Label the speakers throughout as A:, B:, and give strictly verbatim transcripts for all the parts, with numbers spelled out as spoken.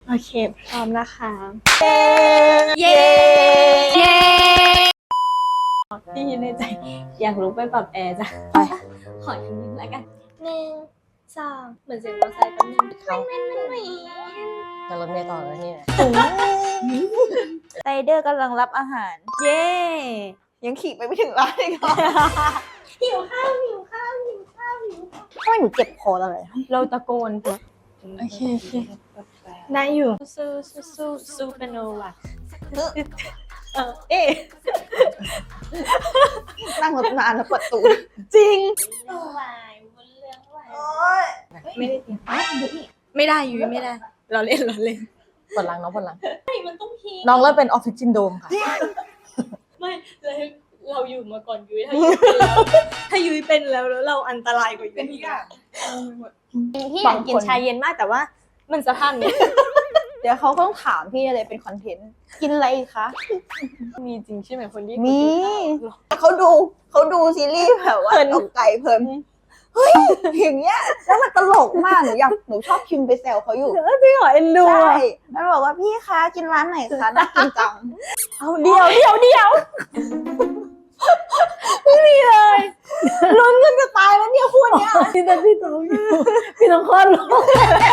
A: โอเคพร้อมนะคะ
B: เย้เย้
A: พี่ในใจอยากลุกไปปรับแอร์จ้ะไปขอทีนึงแล้วกันหนึ่งสองเหมือนเสียงมอเตอร์ไซค์แป๊บนึงไม่ไม่ไม่ไม่
B: จะรถเมล์ต่อแล้วนี่นะ
C: ไรเดอร์กำลังรับอาหาร
A: เย้
C: ยังขี่ไปไม่ถึงร้านเลยค่ะ
A: หิวข้าวหิวข้าวหิวข้าวหิวข้าว
C: ทำไมหนูเจ็บคอตลอดเลย
A: เราตะโกนโอเคโอเคได้อยู่สู้สู้สู้สู้เป็นโนวะเออเอ๊ะ
C: นั่งรถนานแล้วปวดตูด
A: จริงวายบนเรื่องวาย
C: โอ๊ย
A: ไม่ได้เตรียมไม่ได้ยุ้ยไม่ได้ เราเล่นเราเล่น
B: ปวดหลังน้องปวดหลัง
A: มันต้องพี
B: น้องเริ่มเป็นออฟฟิศซินโดรมค่ะ
A: ไม่เราเราอยู่มาก่อนยุ้ยถ้ายุ้ยเป็นแล้วถ้ายุ้ยเป็นแล้วแล้วเราอันตรายกว่ายุ้ยอีกอะพี่อยากกินชาเย็นมากแต่ว่ามันสภาพนี้
C: เดี๋ยวเขาต้องถามพี่อะไรเป็นคอนเทนต์ กินอะไรคะ
A: มีจริงใช่ไหมคนที่
C: มี เขาดูเขาดูซีรีส์แบบว่าตกไก่เพลินเฮ้ยอย่างเงี้ยแล้วมันตลกมากหนูอยากหนูชอบพิมพ์ไปแซวเขาอยู่
A: จริงเหรอเอ็นดู
C: ใช่มันบอกว่าพี่คะกินร้านไหนคะน่ากินจัง
A: เอาเดียวเดียวเดียว
C: ลุ้นกันจะตายแล้วเนี่ยคู่เนี้ย
A: พี่ต้องพี่ต้องพี่ต้องคลอดลูก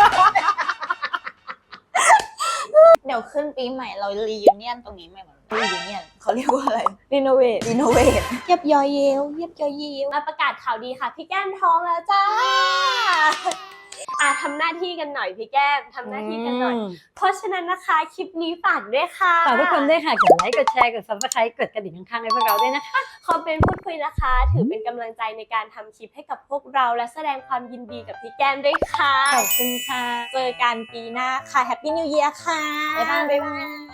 C: เดี๋ยวขึ้นปีใหม่เรารียูเนียนตรงนี้ไหมมันรียูเนียนเขาเรียกว่าอะไร
A: รีโนเวท
C: รีโนเวท
A: เยียบยอยเยวเยียบยอยเยวมาประกาศข่าวดีค่ะพี่แก้มท้องแล้วจ้าอ่ะทำหน้าที่กันหน่อยพี่แก้มทำหน้าที่กันหน่อย เพราะฉะนั้นนะคะคลิปนี้ฝากด้วยค่ะ
D: ฝากทุกคนด้วยค่ะ กดไลค์ กดแชร์ กด ซับสไครบ์ กดกระดิ่งข้างๆให้พวกเราด้วยนะคะ
A: คอมเมนต์พูดคุยนะคะ ถือเป็นกำลังใจในการทำคลิปให้กับพวกเราและแสดงความยินดีกับพี่แก้มด้วยค่ะ
D: ขอบคุณค่ะ
A: เจอกันปีหน้าค่ะ แฮปปี้นิวเยียร์ค่ะ
C: บ๊ายบายบ๊ายบาย